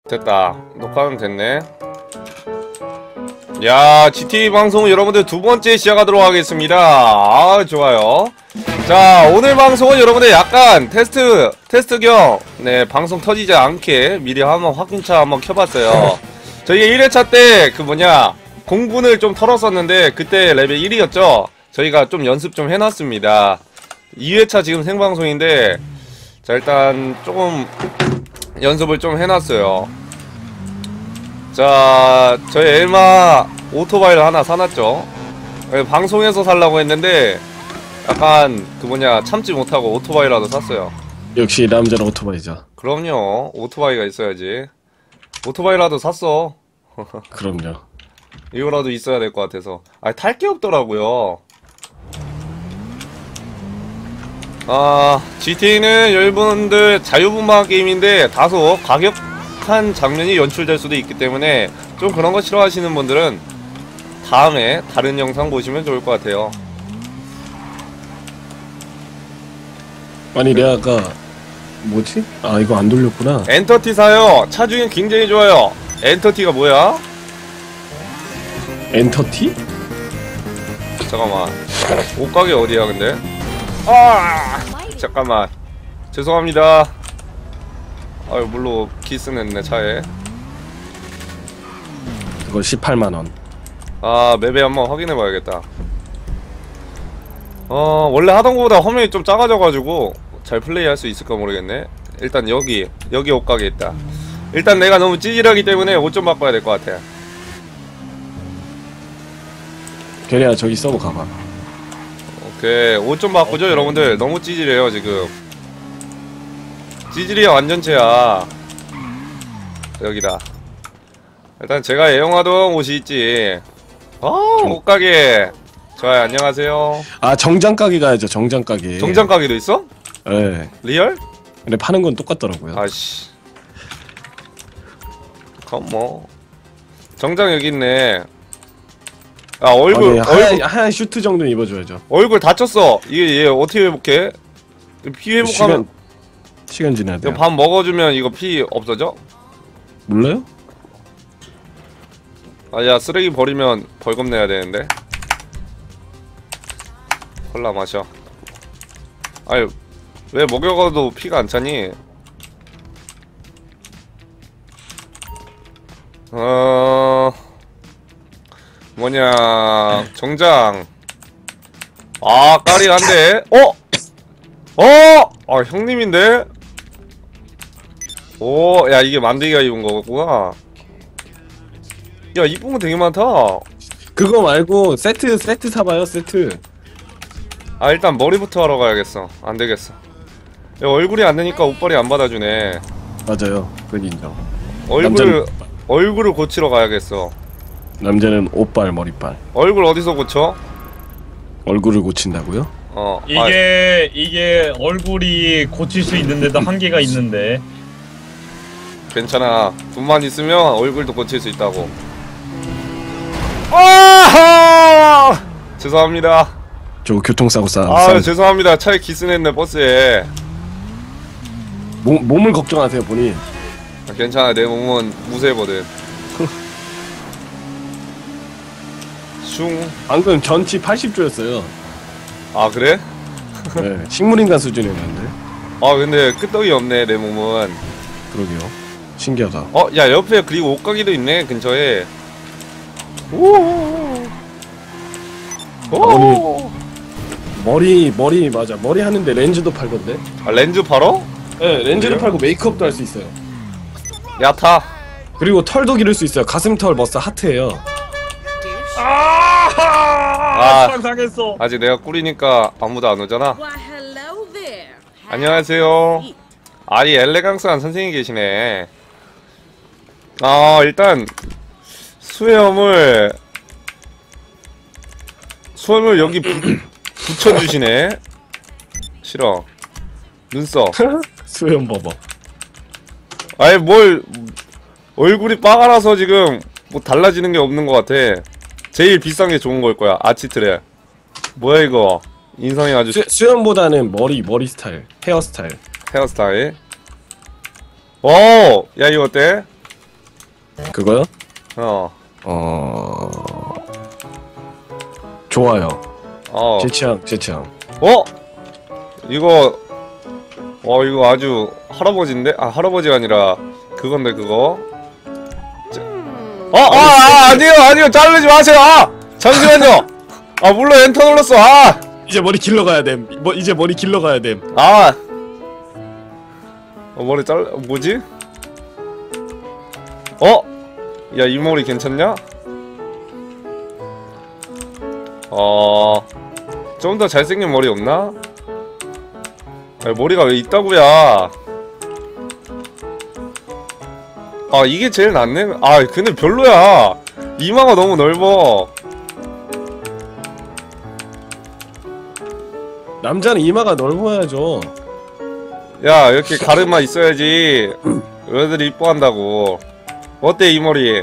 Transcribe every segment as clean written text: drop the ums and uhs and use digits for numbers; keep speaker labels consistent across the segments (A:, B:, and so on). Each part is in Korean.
A: 됐다. 녹화는 됐네. 야, GTA 방송 여러분들 두 번째 시작하도록 하겠습니다. 아, 좋아요. 자, 오늘 방송은 여러분들 약간 테스트 겸, 네, 방송 터지지 않게 미리 한번 확인차 한번 켜봤어요. 저희가 1회차 때 공군을 좀 털었었는데, 그때 레벨 1이었죠? 저희가 좀 연습 좀 해놨습니다. 2회차 지금 생방송인데, 자, 일단 조금 연습을 좀 해놨어요. 자, 저희 엘마 오토바이를 하나 사놨죠. 방송에서 살라고 했는데 약간 참지 못하고 오토바이라도 샀어요.
B: 역시 남자는 오토바이죠.
A: 그럼요, 오토바이가 있어야지. 오토바이라도 샀어.
B: 그럼요.
A: 이거라도 있어야 될 것 같아서. 아, 탈 게 없더라고요. 아, GTA는 여러분들 자유분방 게임인데 다소 과격한 장면이 연출될 수도 있기 때문에 좀 그런 거 싫어하시는 분들은 다음에 다른 영상 보시면 좋을 것 같아요.
B: 아니 내가 아까 뭐지? 아 이거 안 돌렸구나.
A: 엔터티 사요. 차 중에 굉장히 좋아요. 엔터티가 뭐야?
B: 엔터티?
A: 잠깐만, 옷가게 어디야 근데? 아, 잠깐만, 죄송합니다. 아유, 물로 기스냈네 차에.
B: 그거 18만원.
A: 아, 맵에 한번 확인해봐야겠다. 원래 하던 거보다 화면이 좀 작아져가지고 잘 플레이할 수 있을까 모르겠네. 일단 여기 옷가게 있다. 일단 내가 너무 찌질하기 때문에 옷 좀 바꿔야 될 것 같아.
B: 걔네야 저기 서버 가봐.
A: 오케이, 옷 좀 바꾸죠 여러분들. 너무 찌질해요 지금. 찌질이야 완전체야. 여기다. 일단 제가 애용하던 옷이 있지. 옷가게. 좋아요, 안녕하세요.
B: 아 정장가게 가야죠. 정장가게.
A: 정장가게도 있어?
B: 예.
A: 리얼?
B: 근데 파는 건 똑같더라고요.
A: 아씨. 그럼 뭐 정장 여기 있네. 아, 얼굴
B: 하얀 슈트 정도는 입어줘야죠.
A: 얼굴 다쳤어. 이게 얘 어떻게 회복해? 피 회복하면
B: 시간 지나야 돼요.
A: 밥 먹어주면 이거 피 없어져?
B: 몰라요?
A: 아, 야, 쓰레기 버리면 벌금 내야 되는데. 콜라 마셔. 아유, 왜 먹여가도 피가 안 차니? 정장. 아, 까리한데? 아, 형님인데? 오, 야, 이게 만들기가 입은 거구나. 야, 이쁜 거 되게 많다.
B: 그거 말고 세트 사봐요. 세트.
A: 아, 일단 머리부터 하러 가야겠어. 안 되겠어. 야, 얼굴이 안 되니까 옷빨이 안 받아주네.
B: 맞아요. 그건 인정.
A: 얼굴을 고치러 가야겠어.
B: 남자는 옷발 머리빨.
A: 얼굴 어디서 고쳐?
B: 얼굴을 고친다고요?
C: 이게 얼굴이 고칠 수 있는데도 한계가 있는데.
A: 괜찮아. 돈만 있으면 얼굴도 고칠 수 있다고. 아! 죄송합니다.
B: 저 교통사고
A: 죄송합니다. 차에 기스냈네, 버스에.
B: 몸을 걱정하세요, 본인.
A: 괜찮아, 내 몸은 무쇠거든. 슝.
B: 방금 전치 80조였어요.
A: 아, 그래?
B: 네, 식물인간 수준이었는데.
A: 아, 근데 끄떡이 없네, 내 몸은.
B: 그러게요. 신기하다.
A: 야, 옆에 그리고 옷가게도 있네, 근처에. 오.
B: 머리 맞아. 머리 하는데 렌즈도 팔던데.
A: 아, 렌즈 팔어?
B: 네, 렌즈를 팔고 메이크업도 할 수 있어요.
A: 야타.
B: 그리고 털도 기를 수 있어요. 가슴털 머싸 하트예요.
C: 상상했어.
A: 아직 내가 꿀이니까 아무도 안 오잖아. 안녕하세요. 아이, 엘레강스한 선생님이 계시네. 일단 수염을 여기 붙여주시네. 싫어. 눈썹.
B: 수염 봐봐.
A: 아이, 뭘 얼굴이 빠가라서 지금 뭐 달라지는 게 없는 것 같아. 제일 비싼 게 좋은 걸 거야. 아치트랩. 뭐야 이거? 인성이 아주
B: 수염보다는 머리 스타일, 헤어스타일.
A: 헤어스타일. 오! 야, 이거 어때?
B: 그거요?
A: 어.
B: 좋아요.
A: 어.
B: 제 취향.
A: 어? 이거 이거 아주 할아버지인데? 아, 할아버지가 아니라 그건데 그거. 아니요 자르지 마세요. 아 잠시만요. 아 물론 엔터 눌렀어.
B: 이제 머리 길러 가야 됨. 이제 머리 길러 가야 됨.
A: 머리 뭐지? 야 이 머리 괜찮냐? 좀 더 잘생긴 머리 없나? 야, 머리가 왜 있다고야? 이게 제일 낫네? 근데 별로야. 이마가 너무 넓어.
B: 남자는 이마가 넓어야죠.
A: 야 이렇게 가르마 있어야지 여자들이 이뻐한다고. 어때 이 머리?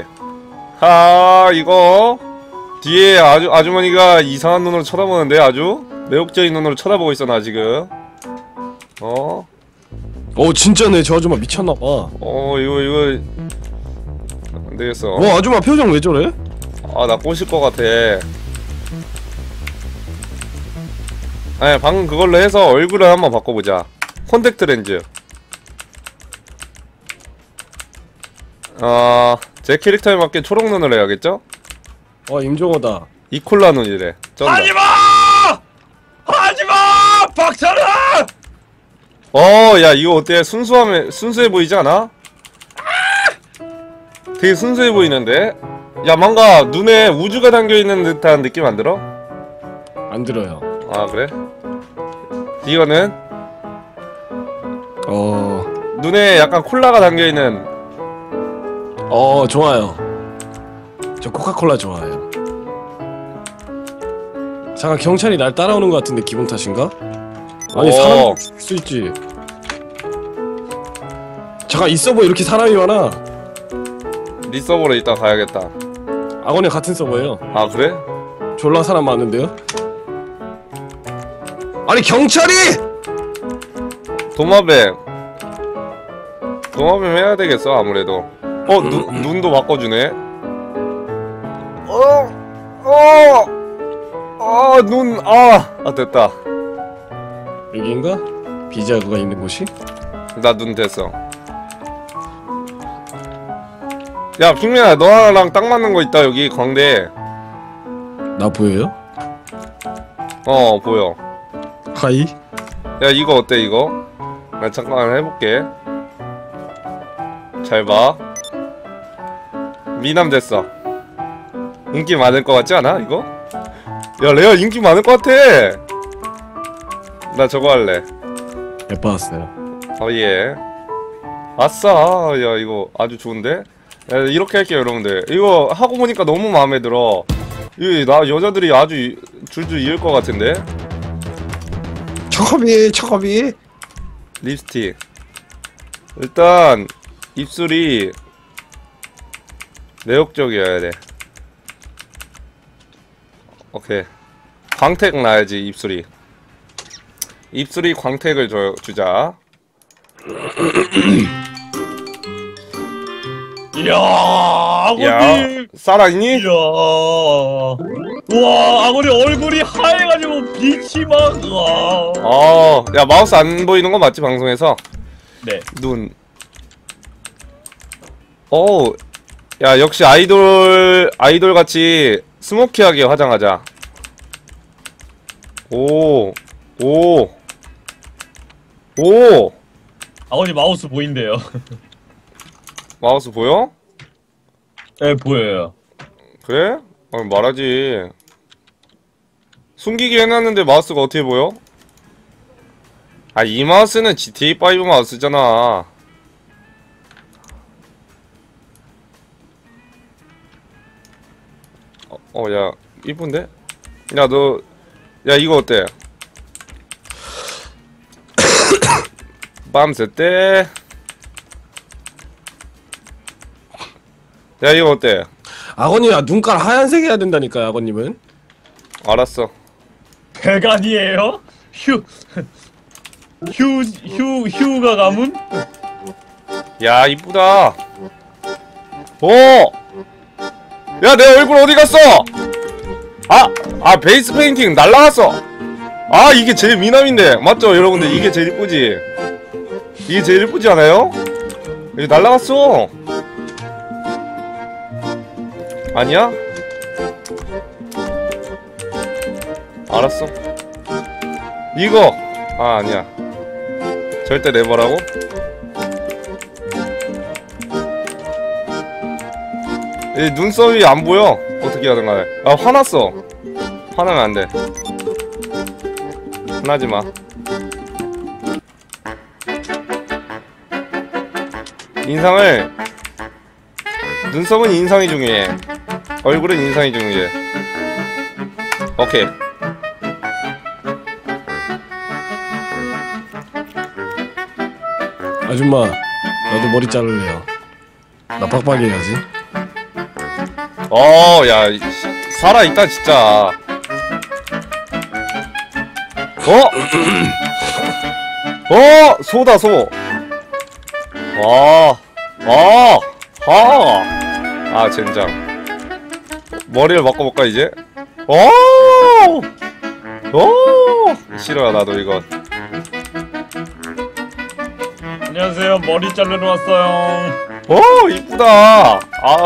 A: 이거 뒤에 아주머니가 이상한 눈으로 쳐다보는데 아주 매혹적인 눈으로 쳐다보고 있어 나 지금.
B: 진짜네. 저 아줌마 미쳤나봐.
A: 이거 안되겠어.
B: 아줌마 표정 왜 저래?
A: 나 꼬실 것 같아. 아니 방금 그걸로 해서 얼굴을 한번 바꿔보자. 콘택트 렌즈. 제 캐릭터에 맞게 초록 눈을 해야겠죠?
B: 임종호다.
A: 이콜라 눈이래.
C: 하지마! 하지마! 박찬아!
A: 야 이거 어때? 순수해 보이지 않아? 되게 순수해 보이는데? 야 뭔가 눈에 우주가 담겨있는 듯한 느낌 안 들어?
B: 안 들어요.
A: 그래? 이거는? 눈에 약간 콜라가 담겨있는.
B: 좋아요. 저 코카콜라 좋아해요. 잠깐 경찰이 날 따라오는 것 같은데 기분 탓인가? 아니 사람 죽일 수 있지. 잠깐 이 서버 이렇게 사람이 많아.
A: 네 서버로 이따 가야겠다.
B: 악원이 같은 서버예요.
A: 그래?
B: 졸라 사람 많은데요? 아니 경찰이!
A: 도마뱀 해야 되겠어 아무래도. 눈도 바꿔주네. 됐다.
B: 여기인가? 비자그가 있는 곳이?
A: 나 눈 됐어. 야 핑맨아 너랑 딱 맞는 거 있다 여기 광대.
B: 나 보여요?
A: 보여.
B: 하이?
A: 야 이거 어때 이거? 나 잠깐 해볼게. 잘 봐. 미남 됐어. 인기 많을 것 같지 않아 이거? 야 레어 인기 많을 것 같아. 나 저거 할래.
B: 예뻐왔어요.
A: 예. 아싸. 야 이거 아주 좋은데? 야, 이렇게 할게요 여러분들. 이거 하고 보니까 너무 마음에 들어. 나 여자들이 아주 줄줄 이을 것 같은데?
B: 초코비
A: 립스틱. 일단 입술이 매혹적이어야 돼. 오케이. 광택 나야지 입술이. 입술이 광택을 주자.
C: 이야, 아버님.
A: 살아있니?
C: 이야. 우와, 아버님 얼굴이 하얘가지고 빛이 막. 우와.
A: 야 마우스 안 보이는 거 맞지 방송에서?
C: 네.
A: 눈. 야 역시 아이돌 같이 스모키하게 화장하자. 오.
C: 아버님 마우스 보인대요.
A: 마우스 보여?
C: 네, 보여요.
A: 그래? 말하지. 숨기게 해놨는데 마우스가 어떻게 보여? 이 마우스는 GTA5 마우스잖아. 야 이쁜데? 야 이거 어때? 밤새 때. 야 이거 어때?
B: 아버님 눈깔 하얀색 해야 된다니까요. 아버님은
A: 알았어.
C: 배간이에요? 휴가 가문?
A: 야 이쁘다. 야, 내 얼굴 어디 갔어? 베이스 페인팅 날라갔어. 이게 제일 미남인데. 맞죠, 여러분들? 이게 제일 이쁘지? 이게 제일 이쁘지 않아요? 이게 날라갔어. 아니야? 알았어. 이거! 아니야. 절대 내버라고? 이 눈썹이 안 보여. 어떻게 하든가 해. 화났어. 화나면 안 돼. 화나지 마. 인상을, 눈썹은 인상이 중요해. 얼굴은 인상이 중요해. 오케이.
B: 아줌마, 나도 머리 자를래요. 나 빡빡이 해야지.
A: 야, 살아있다, 진짜. 소다, 소. 젠장. 머리를 바꿔볼까, 이제? 싫어, 나도 이건.
C: 안녕하세요. 머리 자르러 왔어요.
A: 이쁘다.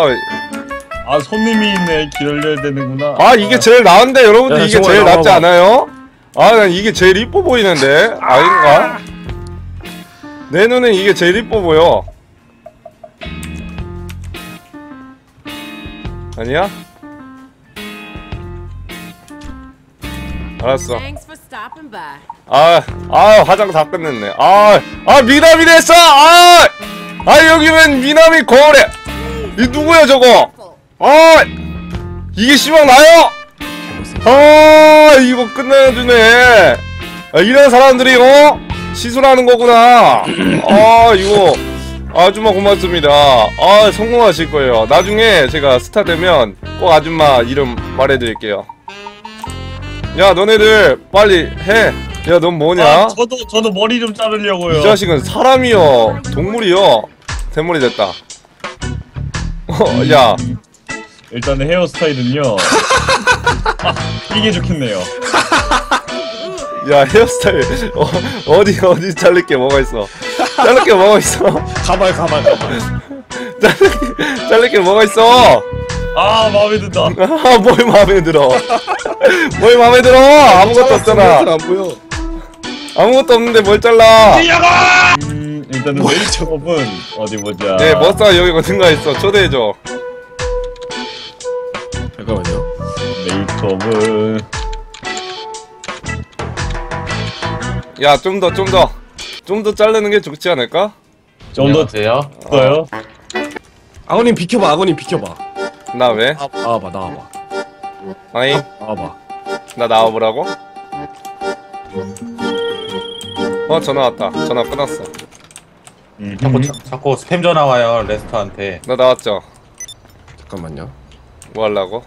C: 손님이 있네. 기다려야 되는구나.
A: 이게 제일 나은데, 여러분들.
B: 야,
A: 이게
B: 정말
A: 제일 낫지
B: 나와봐.
A: 않아요? 난 이게 제일 이뻐 보이는데? 아닌가? 내 눈엔 이게 제일 이뻐 보여. 아니야? 알았어.
D: Thanks for stopping by.
A: 화장 다 끝냈네. 미남이 됐어! 여기는 미남이 거울에! 이 누구야, 저거? 이게 시방 나요? 이거 끝내주네. 이런 사람들이, 시술하는 거구나. 이거. 아줌마 고맙습니다. 성공하실 거예요. 나중에 제가 스타 되면 꼭 아줌마 이름 말해드릴게요. 야, 너네들 빨리 해. 야, 넌 뭐냐?
C: 저도 머리 좀 자르려고요.
A: 이 자식은 사람이요, 동물이요. 대머리 됐다. 야.
C: 일단은 헤어스타일은요. 이게 좋겠네요.
A: 야, 헤어스타일 어디 자를 게 뭐가 있어? 자를 게 뭐가 있어?
B: 가발.
A: 자를 게 뭐가 있어?
C: 마음에 든다.
A: 뭘 마음에 들어? 뭘 마음에 들어? 아무것도 없잖아.
B: 안 보여.
A: 아무것도 없는데 뭘 잘라?
C: 일단은 메이크업은 어디 보자.
A: 네, 머싸 여기 어딘가 있어. 초대해줘.
B: 잠깐만요.
C: 메이크업은
A: 야, 좀 더 자르는 게 좋지 않을까?
C: 좀 더 돼요? 어요?
B: 아버님 비켜봐.
A: 나 왜?
B: 나와봐.
A: 아니,
B: 나와봐.
A: 나 나와보라고? 전화 왔다. 전화 끊었어.
E: 자꾸 스팸 전화 와요 레스터한테.
A: 나 나왔죠?
B: 잠깐만요.
A: 뭐 하려고?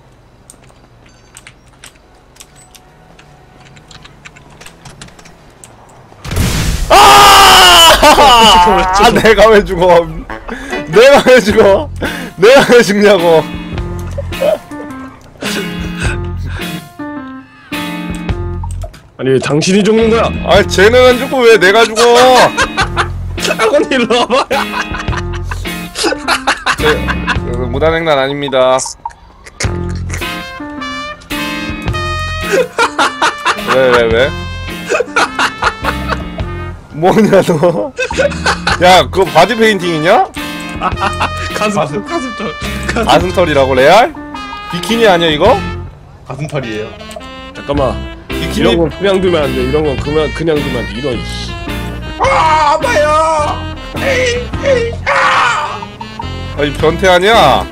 A: 내가 왜 죽어? 내가 왜 죽냐고?
B: 아니 왜 당신이 죽는 거야?
A: 쟤는 안 죽고 왜 내가 죽어?
B: 아버님 일로 와봐.
A: 무단횡단 아닙니다. 왜? 뭐냐 너? 야, 그거 바지 페인팅이냐? 가슴털이라고 레알? 비키니 아니야 이거?
E: 가슴털이에요.
B: 잠깐만.
A: 비키니?
B: 이런 건 그냥 두면 안 돼. 이런 건 그냥 두면 안 돼. 이런.
E: 아파요.
A: 아니 변태 아니야?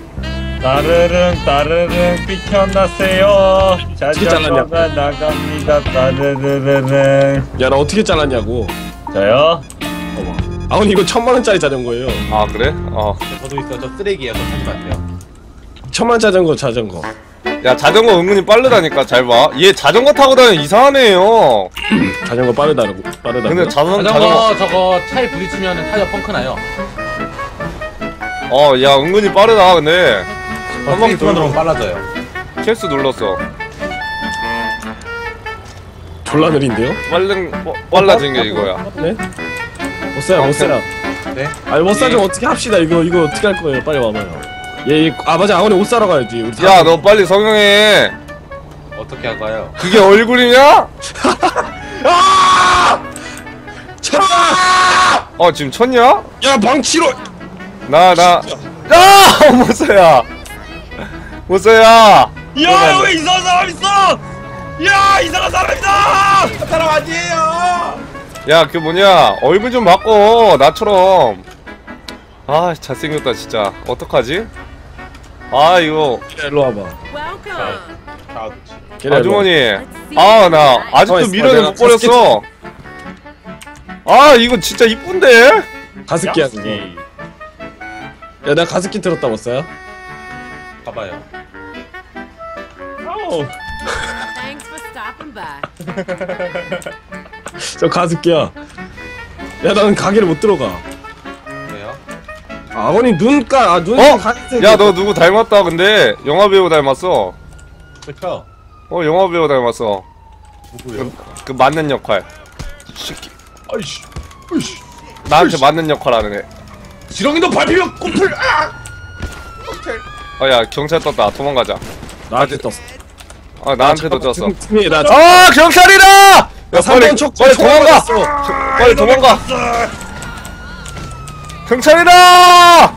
C: 따르릉 비켜나세요. 자전거가 나갑니다. 따르르르릉.
B: 야, 나 어떻게 잘랐냐고.
C: 저요?
B: 봐봐. 아버님 이거 1000만원짜리 자전거예요.
A: 아 그래?
E: 저도 있어요. 저 쓰레기예요. 저 사지 마세요.
B: 1000만 자전거.
A: 야, 자전거 은근히 빠르다니까. 잘 봐. 얘 자전거 타고 다니는 이상한 애예요.
B: 자전거 빠르다고.
A: 근데 자전거
E: 자전거 저거 차에 부딪히면 타이어 펑크 나요.
A: 야 은근히 빠르다 근데. 한 바퀴
E: 스테이트만
A: 돌고
E: 들어오면 빨라져요.
A: 캐스 눌렀어.
B: 졸라 느린데요?
A: 빨라진 게 이거야.
B: 네? 못 사요 못 사요.
E: 네?
B: 아니 못 사좀 어떻게 합시다. 이거 어떻게 할 거예요? 빨리 와봐요. 아 맞아 아버님 옷 사러 가야지. 우리
A: 야 너 빨리 성형해.
E: 어떻게 할까요?
A: 그게 얼굴이냐? 지금 쳤냐?
B: 야 방치로.
A: 못써야 못써야.
C: 야 여기 이상한 사람 있어. 야 이상한 사람 있어.
E: 사람 아니에요.
A: 야 그 뭐냐 얼굴 좀 바꿔 나처럼. 아 잘생겼다 진짜. 어떡하지? 아 이거
B: 일로 와봐.
D: Welcome.
A: 아주머니. 나 아직도 미련을 못 버렸어. 이거 진짜 이쁜데?
B: 가습기야 그거. 야 나 가습기 들었다 못 사요?
E: 가봐요.
C: 아우.
D: Thanks for stopping by.
B: 저 가습기야. 야 나는 가게를 못 들어가.
E: 왜요?
B: 아버님 눈가 눈.
A: 야 너 누구 닮았다 근데. 영화배우 닮았어.
E: 그쵸?
A: 영화배우 닮았어.
E: 누구요?
A: 그 맞는 역할. 새끼.
E: 아이씨.
A: 나한테 맞는 역할 하는 애.
E: 지렁이도 밟히면 꿈틀.
A: 야 경찰 떴다. 도망가자.
B: 나한테 떴어.
A: 나한테도 떴어.
B: 팀이 나.
A: 경찰이다! 야 빨리
B: 삼번 촉
A: 빨리 도망가. 빨리 도망가. 경찰이다!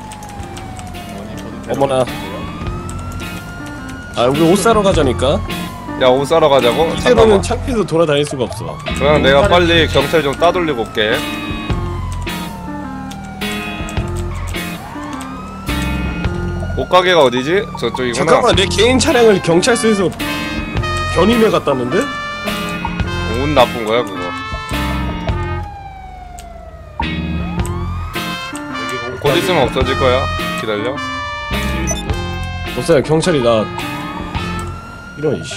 B: 어머나. 우리 옷 사러 가자니까.
A: 야 옷 사러 가자고?
B: 이대로는
A: 잠깐만.
B: 창피해서 돌아다닐 수가 없어.
A: 그냥 내가 빨리 경찰 좀 따돌리고 올게. 옷가게가 어디지? 저쪽이구나.
B: 잠깐만 내 개인 차량을 경찰서에서 견인해 갔다는데?
A: 운 나쁜 거야 그거. 곧 있으면 없어질 거야. 기다려.
B: 못사요 경찰이 나 이런 이씨.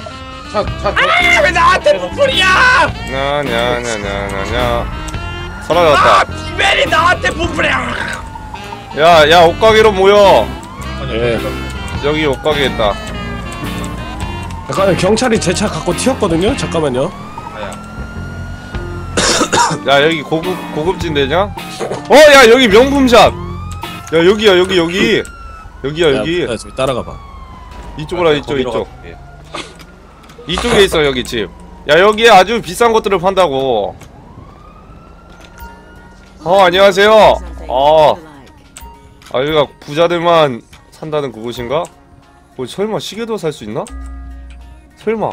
C: 왜 나한테 부풀이야?
A: 냐냐냐냐냐냐. 사라졌다.
C: 비멜이 나한테 부풀이야.
A: 야 옷가게로 모여.
B: 예.
A: 여기 옷가게 있다.
B: 잠깐 경찰이 제 차 갖고 튀었거든요. 잠깐만요.
A: 야 여기 고급진 데냐? 야 여기 명품샵. 야 여기야 여기. 여기야 여기.
B: 야, 저기 따라가 봐.
A: 이쪽으로 이쪽. 이쪽에 있어 여기 집. 야 여기에 아주 비싼 것들을 판다고. 안녕하세요.
D: Something you like.
A: 여기가 부자들만 산다는 그곳인가? 설마 시계도 살 수 있나? 설마.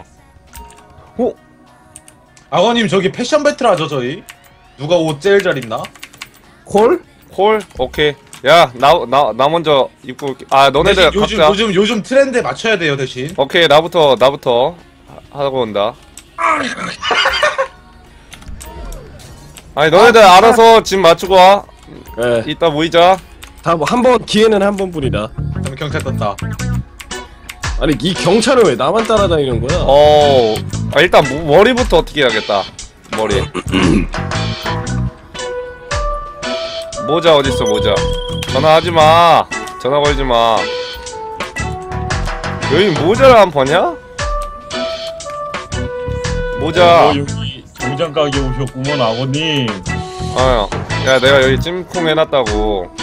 E: 아버님 저기 패션 배틀 하죠 저희? 누가 옷 제일 잘 입나?
B: 콜?
A: 콜? 오케이. 야 나 먼저 입고 올게. 너네들
E: 대신
A: 각자.
E: 요즘 트렌드에 맞춰야 돼요 대신.
A: 오케이 나부터 하고 온다. 아니 너네들 알아서 집 맞추고 와.
B: 예.
A: 이따 모이자.
B: 다 뭐 한 번 기회는 한 번뿐이다.
E: 그럼 경찰 떴다.
B: 아니 이 경찰은 왜 나만 따라다니는 거야?
A: 일단 머리부터 어떻게 해야겠다. 머리. 모자 어딨어 모자. 전화하지마. 전화 걸지마. 여기 모자를 안 파냐? 모자.
C: 여기 정장 가게 오셨구먼 아버님.
A: 야 내가 여기 찜콩 해놨다고.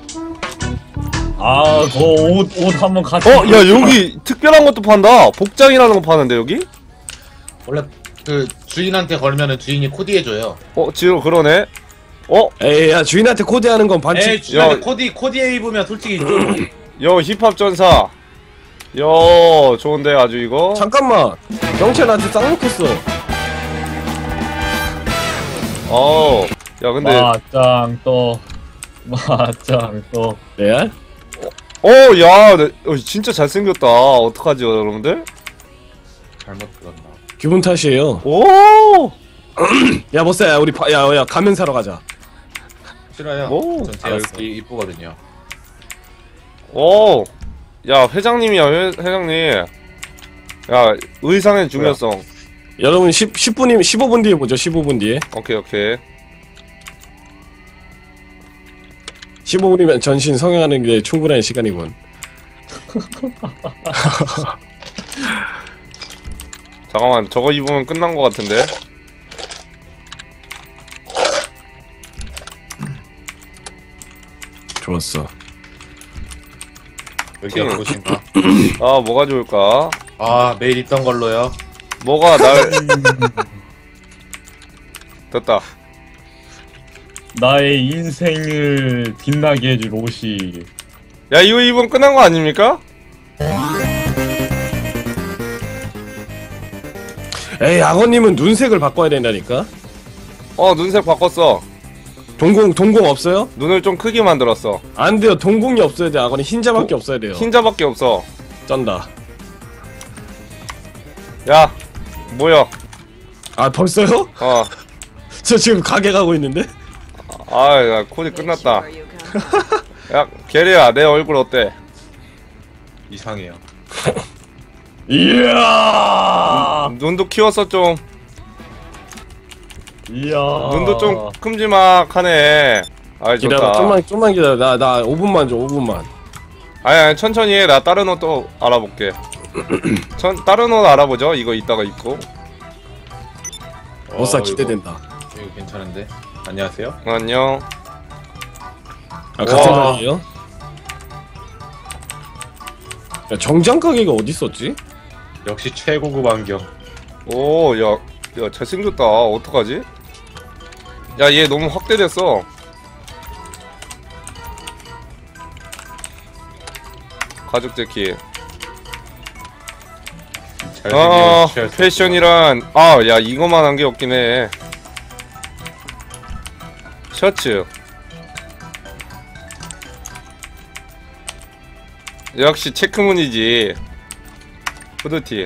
C: 그 옷 한번 같이.
A: 야 여기 특별한 것도 판다. 복장이라는 거 파는데 여기?
E: 원래 그 주인한테 걸면은 주인이 코디해줘요.
A: 지금 그러네.
B: 에이 야 주인한테 코디하는 건
E: 에이
B: 반칙.
E: 주인한테 코디에 입으면 솔직히 좀
A: 힙합 전사. 좋은데 아주 이거.
B: 잠깐만 경찰 나한테 쌍욕했어.
A: 야 근데.
C: 맞짱 또.
B: 레알?
A: 야 진짜 잘생겼다. 어떡하지 여러분들?
E: 잘못 들었나?
B: 기분 탓이에요.
A: 오.
B: 야 못사야 우리 야 가면 사러 가자.
E: 싫어요.
A: 오,
E: 전 제 얼굴이 이쁘거든요.
A: 야 회장님이야 회장님. 야 의상의 중요성.
B: 여러분 10분이면 15분 뒤에 보죠. 15분 뒤에.
A: 오케이.
B: 15분이면 전신 성형하는 게 충분한 시간이군.
A: 잠깐만, 저거 입으면 끝난 것 같은데.
B: 좋았어.
E: 여기 어떠신가?
A: 아, 뭐가 좋을까?
E: 아 매일 입던 걸로요.
A: 뭐가 날 됐다.
C: 나의 인생을 빛나게 해줄 옷이.
A: 야, 이거 입으면 끝난 거 아닙니까?
B: 에이, 악어님은 눈색을 바꿔야 된다니까?
A: 눈색 바꿨어.
B: 동공 없어요?
A: 눈을 좀 크게 만들었어.
B: 안 돼요. 동공이 없어야 돼. 악어는 흰자밖에 없어야 돼요.
A: 흰자밖에 없어.
B: 쩐다.
A: 야, 뭐야?
B: 아, 벌써요? 저 지금 가게 가고 있는데?
A: 야, 코디 끝났다. 야, 게리야, 내 얼굴 어때?
E: 이상해요.
C: 이야.
A: 눈도 키웠어 좀.
C: 이야.
A: 눈도 좀 큼지막하네. 아이,
B: 기다려.
A: 좋다.
B: 좀만 기다려. 나 5분만 줘. 5분만.
A: 아니, 천천히 해. 나 다른 옷 또 알아볼게. 다른 옷 알아보죠. 이거 이따가 입고.
B: 어싸
E: 이거-
B: 기대된다.
E: 이거 괜찮은데. 안녕하세요.
A: 안녕.
B: 아, 같은
A: 와.
B: 자리에요? 야, 정장 가게가 어디 있었지?
E: 역시 최고급 안경.
A: 오, 야, 잘생겼다. 어떡하지? 야, 얘 너무 확대됐어. 가죽 재킷.
E: 잘생긴
A: 패션이란, 야, 이거만 한 게 없긴 해. 셔츠. 역시 체크무늬지. 후드티.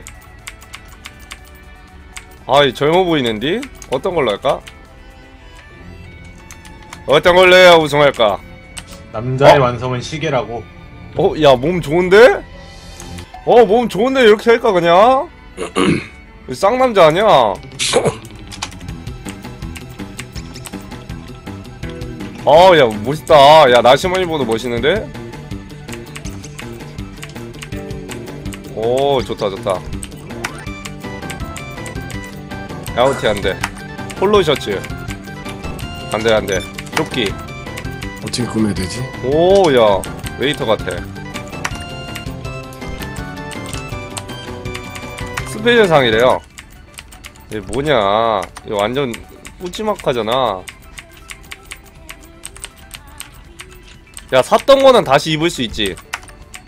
A: 이 젊어 보이는디? 어떤 걸로 할까? 어떤 걸로 해야 우승할까?
E: 남자의 완성은 시계라고.
A: 야, 몸 좋은데? 몸 좋은데 이렇게 할까 그냥? 쌍남자 아니야? 야, 멋있다. 야, 나시머니보다 멋있는데? 오, 좋다, 좋다. 야우티 안 돼. 폴로 셔츠. 안 돼, 안 돼. 조끼.
B: 어떻게 구매해야 되지?
A: 오, 야, 웨이터 같아. 스페셜 상이래요. 이게 뭐냐? 이거 완전 뿌지막하잖아. 야, 샀던 거는 다시 입을 수 있지.